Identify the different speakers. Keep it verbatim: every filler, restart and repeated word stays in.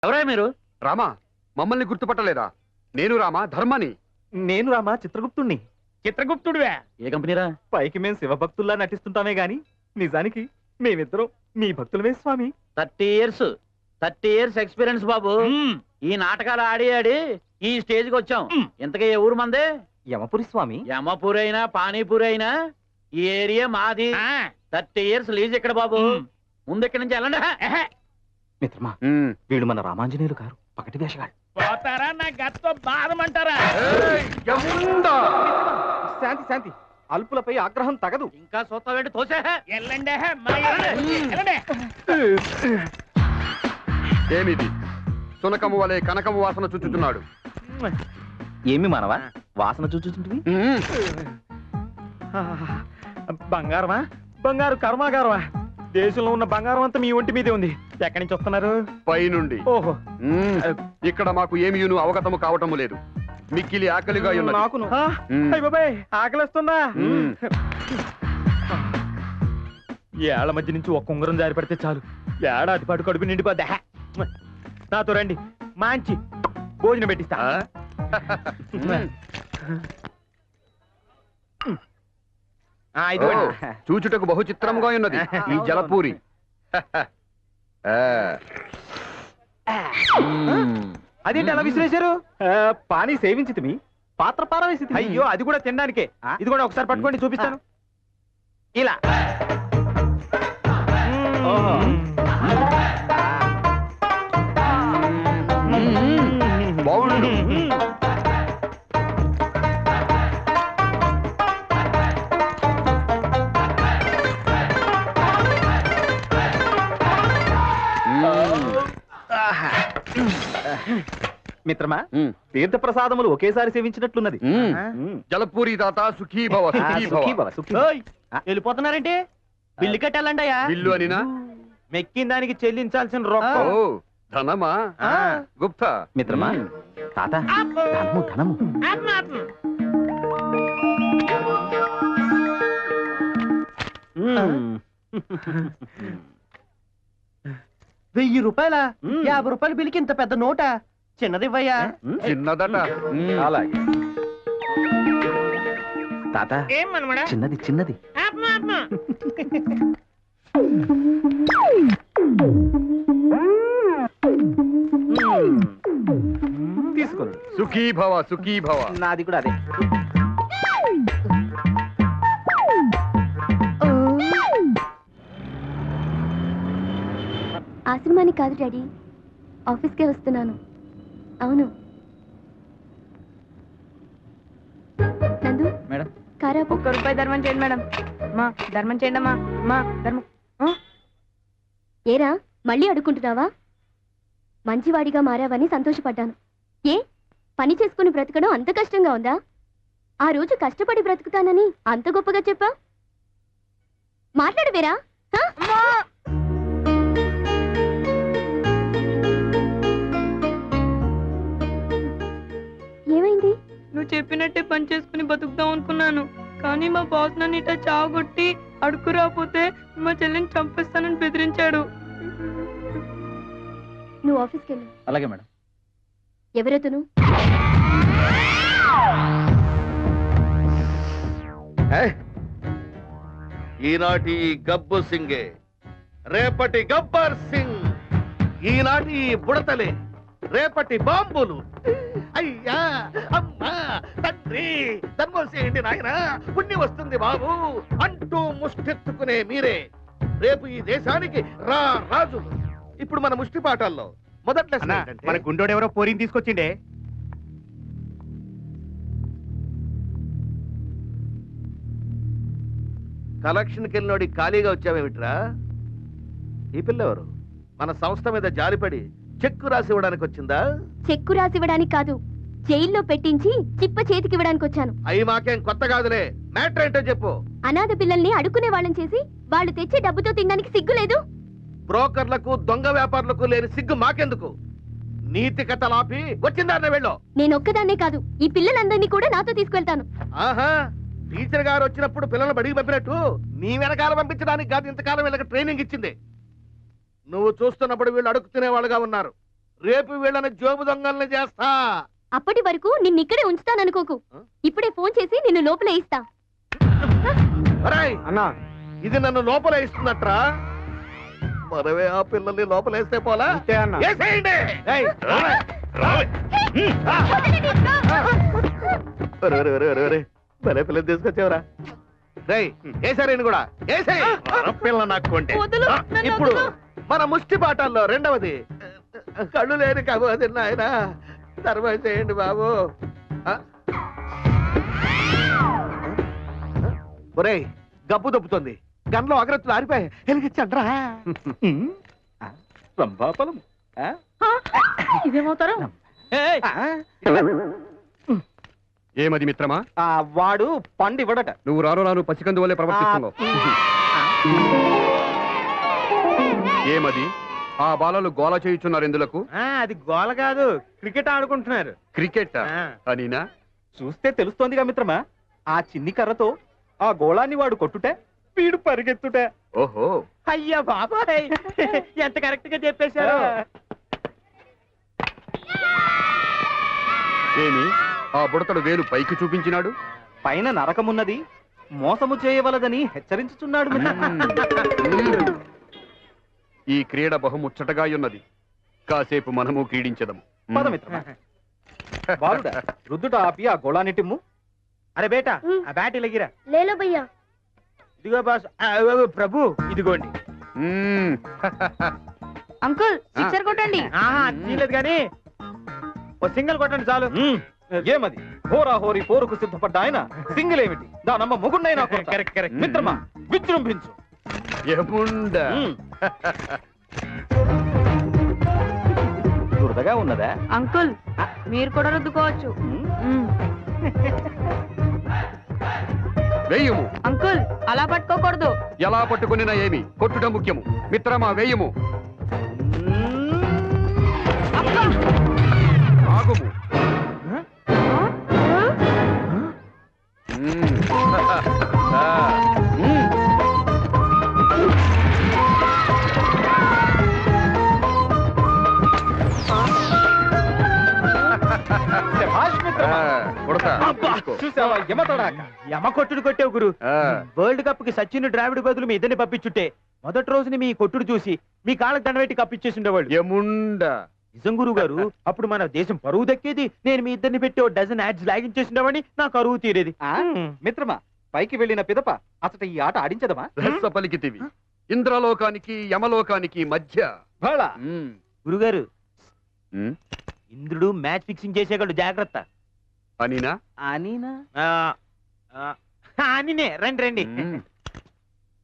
Speaker 1: ఎవరా మీరు?
Speaker 2: రామా, మమ్మల్ని గుర్తుపట్టలేదా? నేను రామా, ధర్మని.
Speaker 3: నేను రామా, చిత్రగుప్తుణ్ణి.
Speaker 1: చిత్రగుప్తుడివే? ఏ కంపెనీరా?
Speaker 3: పైకి మేము శివభక్తుల్లా నటిస్తుంటామే గాని నిజానికి మేమిద్దరం మీ భక్తులమే స్వామి.
Speaker 1: Thirty years thirty years experience బాబు. ఈ నాటకాలు ఆడి ఆడి ఈ స్టేజ్ కి వచ్చాం. ఇంతకీ ఏ ఊరు మందే?
Speaker 3: యమపురి స్వామి.
Speaker 1: యమపూరి అయినా పానీపూరి అయినా ఈ ఏరియా మాది. థర్టీ ఇయర్స్ లీజ్ ఇక్కడ బాబు. ముందు ఇక్కడి నుంచి వెళ్ళండి.
Speaker 3: మిత్రమా, వీడు మన రామాంజనేయులు గారు, పకటి వేషగాడు.
Speaker 1: పోతారా నా గత్తో బాధమంటారా?
Speaker 3: శాంతి శాంతి, అల్పులపై ఆగ్రహం తగదు.
Speaker 1: ఇంకా చూస్తావేంటి? తోసే వెళ్ళండి.
Speaker 2: ఏమిది? సునకము వలె కనకము వాసన చుచ్చుతున్నాడు.
Speaker 3: ఏమి మానవా వాసన చూచుంటివి? బంగారమా? బంగారు కర్మాగారమా? దేశంలో ఉన్న బంగారం అంతా మీ ఒంటి మీదే ఉంది. ఎక్కడి నుంచి వస్తున్నారు?
Speaker 2: పైనుండి.
Speaker 3: ఓహో,
Speaker 2: ఇక్కడ మాకు ఏమియును అవగతము కావటము లేదు. మిక్కిలి ఆకలిగా ఉన్నది.
Speaker 3: నాకును. అయ్ బాబాయ్, ఆకలిస్తుందా? ఏళ్ల మధ్య నుంచి ఒక్క ఉంగరం జారి పడితే చాలు, ఏడాది పాటు కడుపు నిండిపోద్దా. నాతో రండి, మంచి భోజనం పెట్టిస్తా.
Speaker 2: చూచుటకు బహు చిత్రంగా ఉన్నది ఈ జలపూరి.
Speaker 3: అదేంటి అలా విసిరేశారు? పానీ సేవించితిమి, పాత్ర పారవేసి. అయ్యో, అది కూడా తినడానికే. ఇది కూడా ఒకసారి పట్టుకోండి, చూపిస్తాను. ఇలా
Speaker 2: బాగుండు.
Speaker 3: మిత్రమా, తీర్థ ప్రసాదములు ఒకేసారి సేవించినట్లున్నది.
Speaker 2: జలపూరి తాత సుఖీ భవ, సుఖీ భవ.
Speaker 1: వెళ్ళిపోతున్నారంటే బిల్లు కట్టాలండి.
Speaker 2: బిల్లు అనినా?
Speaker 3: మెక్కిన దానికి చెల్లించాల్సిన రొక్కం.
Speaker 2: ఓ, ధనమా? గుప్తా.
Speaker 3: మిత్రమా, తాత ధనము ధనము.
Speaker 1: వెయ్యి రూపాయల యాభై రూపాయల బిల్లుకి ఇంత పెద్ద నోట? చిన్నదివ్వయ్యా.
Speaker 2: చిన్నదట.
Speaker 3: అలాగే తాత, చిన్నది చిన్నది. తీసుకోండి.
Speaker 2: సుఖీ భవ, సుఖీ భవ.
Speaker 3: నాది కూడా అదే.
Speaker 4: ఆశ్రమానికి కాదు డాడీ, ఆఫీస్కే వస్తున్నాను. అవును. నందు
Speaker 1: మేడం,
Speaker 4: కారా.
Speaker 5: ఒక్క రూపాయి ధర్మం చేయండి మేడం. మా ధర్మం చేయండి అమ్మా. మా ధర్మం.
Speaker 4: ఏరా, మళ్ళీ అడుక్కుంటున్నావా? మంచివాడిగా మారావని సంతోషపడ్డాను. ఏ పని చేసుకుని బ్రతకడం అంత కష్టంగా ఉందా? ఆ రోజు కష్టపడి బ్రతుకుతానని అంత గొప్పగా చెప్పా. మాట్లాడవేరా? ఏమైంది?
Speaker 5: నువ్వు చెప్పినట్టే పని చేసుకుని బతుకుతాం అనుకున్నాను, కానీ మా బాస్ నన్ను ఇట్లా చావగొట్టి అడుగు రాకపోతే మా చెల్లిని చంపేస్తానని బెదిరించాడు.
Speaker 4: నువ్వు ఆఫీస్కి వెళ్ళు.
Speaker 1: అలాగే మేడం.
Speaker 4: ఎవరతను?
Speaker 6: ఈనాటి గబ్బు సింగే, రేపటి గబ్బర్ సింగ్. ఈనాటి బుడతలే, రేపటి బాంబులు. అయ్యా, అమ్మా, తండ్రి, ధర్మం చేయండి నాయనా, పుణ్యం వస్తుంది బాబు అంటూ ముష్టెత్తుకునే మీరే రేపు ఈ దేశానికి రా రాజులు. ఇప్పుడు మన ముష్టి పాఠాల్లో మొదట్లో
Speaker 3: మన గుండోడెవరో పోరిని తీసుకొచ్చిండే.
Speaker 6: కలెక్షన్కి వెళ్ళినోడి ఖాళీగా వచ్చావేమిట్రా? ఈ పిల్లెవరు? మన సంస్థ మీద జాలిపడి చెక్కు రాసి ఇవ్వడానికి వచ్చిందా?
Speaker 4: చెక్కు రాసివ్వడానికి కాదు, జైల్లో పెట్టించి చిప్ప చేతికి ఇవ్వడానికి వచ్చాను.
Speaker 6: అయి మాకేం కొత్త కాదులే, మ్యాటర్ ఏంటో చెప్పు.
Speaker 4: అనాథ పిల్లల్ని అడుక్కునే వాళ్ళని చేసి వాళ్ళు తెచ్చే డబ్బుతో తినడానికి సిగ్గు లేదు?
Speaker 6: బ్రోకర్లకు, దొంగ వ్యాపారులకు లేని సిగ్గు మాకెందుకు? నీతి కథలాపి వచ్చిందారనే వెళ్ళు.
Speaker 4: నేను ఒక్కదాన్నే కాదు, ఈ పిల్లలందరినీ కూడా నాతో తీసుకెళ్తాను.
Speaker 6: ఆహా, టీచర్ గారు వచ్చినప్పుడు పిల్లలు బడికి పంపినట్టు నీ వెనకాల పంపించడానికి కాదు ఇంతకాలం వీళ్ళకి ట్రైనింగ్ ఇచ్చింది. నువ్వు చూస్తున్నప్పుడు వీళ్ళు అడుగు తినేవాళ్ళుగా ఉన్నారు. రేపు వీళ్ళని జోబు దొంగల్ని చేస్తా.
Speaker 4: అప్పటి వరకు నిన్ను ఇక్కడే ఉంచుతాననుకోకు. ఇప్పుడే ఫోన్ చేసి నిన్ను లోపల ఇస్తా.
Speaker 6: ఒరేయ్,
Speaker 3: అన్నా
Speaker 6: ఇది నన్ను లోపల ఇస్తున్నట్రా. మనమే ఆ పిల్లల్ని లోపలేస్తే పోలా.
Speaker 3: అంతే అన్నా.
Speaker 6: ఏసేయండి.
Speaker 3: ఏయ్,
Speaker 6: ఒరే, ఒరే, ఒరే, ఒరే, ఒరే. భలే పిల్లలు తీసుకొచ్చావురా. రేయ్, ఏసారేని కూడా ఏసేయ్. పిల్ల నాకు అంటే
Speaker 5: వదులు, నన్ను
Speaker 6: ఇప్పుడు
Speaker 5: వదులు.
Speaker 6: మన ముష్టి పాఠాల్లో రెండవది కళ్ళు లేని కబోది నాయన. తర్వాత చేయండి బాబు. ఆ? ఒరేయ్, గబ్బు దొబ్బుతుంది. గన్లో అగ్రత్తులు ఆరిపోయి వెలిగించండ్రా.
Speaker 3: రంభాఫలం. ఆ?
Speaker 5: ఇదేమవుతారు?
Speaker 3: ఆ?
Speaker 2: ఏమది మిత్రమా?
Speaker 3: ఆ, వాడు పండు ఇవ్వడట.
Speaker 2: నువ్వు రాను రాను పసికందు వల్లే ప్రవర్తిస్తున్నావు. ఏమది? ఆ బాలలు గోల చేయుచున్నారు ఎందులకు?
Speaker 3: ఆ, అది గోల కాదు, క్రికెట్ ఆడుకుంటున్నారు.
Speaker 2: క్రికెట్
Speaker 3: ఆ.
Speaker 2: అనినా?
Speaker 3: చూస్తే తెలుస్తోందిగా మిత్రమా, ఆ చిన్ని కర్రతో ఆ గోళాన్ని వాడు కొట్టుటే వీడు పరిగెత్తుటే.
Speaker 2: ఓహో,
Speaker 3: అయ్యా బాబాయ్, ఎంత కరెక్ట్ గా చెప్పేశారు.
Speaker 2: ఏమి ఆ బుడతడు వేలు పైకి చూపించినాడు?
Speaker 3: పైన నరకమున్నది, మోసము చేయవలదని హెచ్చరించుచున్నాడు మిత్రమా.
Speaker 2: మ్మ్. ఈ క్రీడ బహుముచ్చటగా ఉన్నది. కాసేపు మనము క్రీడించదము.
Speaker 3: పద మిత్రమా. బాలుడా, రుద్దుట ఆపి ఆ గోళాన్ని టిమ్ము. అరే బేటా, ఆ బ్యాట్ ఇలాగిరా.
Speaker 4: లేలో భయ్యా.
Speaker 3: ఇదిగో బాస్. ఆ, ఓ, ఓ, ప్రభు ఇదిగోండి.
Speaker 2: మ్మ్.
Speaker 5: అంకుల్ సిక్సర్ కొట్టండి.
Speaker 3: ఆహా, తీయలేదు కానీ ఓ సింగిల్ కొట్టండి చాలు. ఏమది హోరా హోరీ పోరుకు సిద్ధపడ్డ ఆయన సింగిల్ ఏమిటి, దానమ్మ ముగుండైనా కరెక్ట్ కరెక్ట్. మిత్రమా, విజృంభించు.
Speaker 2: ఎముండ.
Speaker 3: దురదగా ఉన్నదా?
Speaker 5: అంకుల్ మీరు కూడా రుద్దుకోవచ్చు. మ్మ్.
Speaker 2: వేయుము.
Speaker 5: అంకుల్ అలా పట్టుకోకూడదు.
Speaker 2: ఎలా పట్టుకునినా ఏమి, కొట్టుట ముఖ్యము. మిత్రమా, వేయుము. ఆగుము. మ్మ్. ఆ. మ్మ్.
Speaker 3: శభాష్ మిత్రమా.
Speaker 2: ఆ, కొడతా.
Speaker 3: అబ్బా,
Speaker 2: తీసుకో.
Speaker 3: చూసావా యమతోడాక. యమ కొట్టుడు కొట్టావు గురు.
Speaker 2: ఆ.
Speaker 3: వరల్డ్ కప్ కి సచిన్ ద్రావిడ్ బదులు మీ ఇద్దరిని పంపించుంటే మొదటి రోజుని మీ కొట్టుడు చూసి మీ కాళ్ళకి దండబెట్టి కప్పిచ్చేసి ఉండేవాళ్ళు.
Speaker 2: ఎముండ.
Speaker 3: నిజం గురువు గారు, అప్పుడు మన దేశం పరువు దక్కేది. నేను మీ ఇద్దరిని పెట్టి ఓ డజన్ యాడ్స్ లాగించేసిండేవాడిని, నా కరువు తీరేది. మిత్రమా, పైకి వెళ్ళిన పిదప అసలు ఈ ఆట ఆడించదమా?
Speaker 2: రహస్య పలికితివి. ఇంద్రలోకానికి యమలోకానికి మధ్య.
Speaker 3: బళ.
Speaker 2: మ్మ్.
Speaker 3: గురుగారు,
Speaker 2: మ్మ్.
Speaker 3: ఇంద్రుడు మ్యాచ్ ఫిక్సింగ్ చేసేవాళ్ళు, జాగ్రత్త.
Speaker 2: అనినా?
Speaker 3: అనినా? అనినే రండి రండి.
Speaker 2: మ్మ్.